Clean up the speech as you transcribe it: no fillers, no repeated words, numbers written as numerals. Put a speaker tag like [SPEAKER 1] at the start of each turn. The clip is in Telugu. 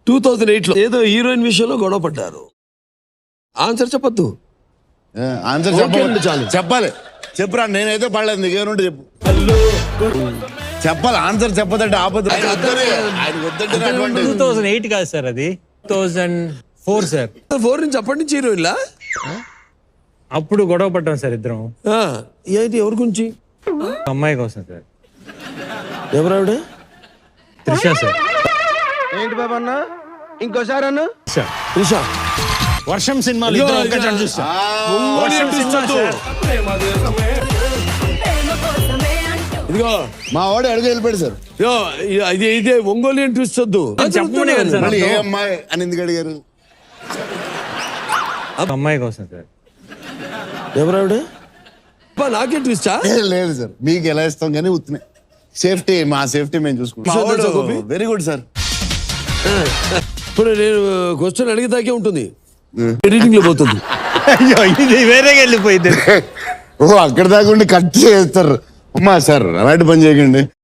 [SPEAKER 1] 2008లో ఏదో హీరోయిన్ విషయంలో గొడవ పడ్డారు. ఆన్సర్ చెప్పొద్దు.
[SPEAKER 2] ఆన్సర్
[SPEAKER 1] ఓకే అండి, చాలు.
[SPEAKER 2] చెప్పాలి. చెప్పురా, నేనైతే పడలేదు, నీకేమంటే చెప్పు. చెప్పాలి, ఆన్సర్ చెప్పదంటే ఆపదు.
[SPEAKER 3] 2008 కాదు సార్, అది 2004 సార్.
[SPEAKER 1] 4 నుంచి అప్పటి నుంచి హీరోయిన్లా?
[SPEAKER 3] అప్పుడు గొడవ పడ్డాం సార్ ఇద్దరం.
[SPEAKER 1] ఏంటి, ఎవరి గురించి?
[SPEAKER 3] అమ్మాయి కోసం సార్.
[SPEAKER 1] ఎవరావిడ?
[SPEAKER 3] త్రిష సార్.
[SPEAKER 4] ఏంటి బాబా అన్న, ఇంకోసారి అన్న.
[SPEAKER 1] త్రిష.
[SPEAKER 3] వర్షం సినిమాలు ఇద్దరం ఒకే చోట చూస్తాం. వర్షం సినిమా సార్.
[SPEAKER 1] ఇదిగో
[SPEAKER 2] మా వాడు అడుగు వెళ్ళిపోయాడు సార్.
[SPEAKER 1] ఇదే ఒంగోలియన్ ట్విస్ట్ వద్దు.
[SPEAKER 3] చెప్పమనే కదా సార్.
[SPEAKER 2] మళ్ళీ ఏ అమ్మాయి అని ఎందుకు అడిగారు?
[SPEAKER 3] అమ్మాయి కోసం సార్.
[SPEAKER 1] ఎవరావిడ? నాకే ట్విస్టా?
[SPEAKER 2] లేదు సార్, మీకు ఎలా ఇస్తాం కానీ ఉత్తున్నాయి. సేఫ్టీ, మా సేఫ్టీ మేము చూసుకుంటాం. Very good sir.
[SPEAKER 1] ఇప్పుడు నేను క్వశ్చన్ అడిగేదాకే ఉంటుంది, ఎడిటింగ్ లో పోతుంది.
[SPEAKER 3] అయ్యో, ఇది వేరేగా వెళ్ళిపోయింది.
[SPEAKER 2] ఓ, అక్కడ దాకా ఉండి కట్ చేస్తారు. అమ్మా సార్, అలాంటి పని చేయకండి.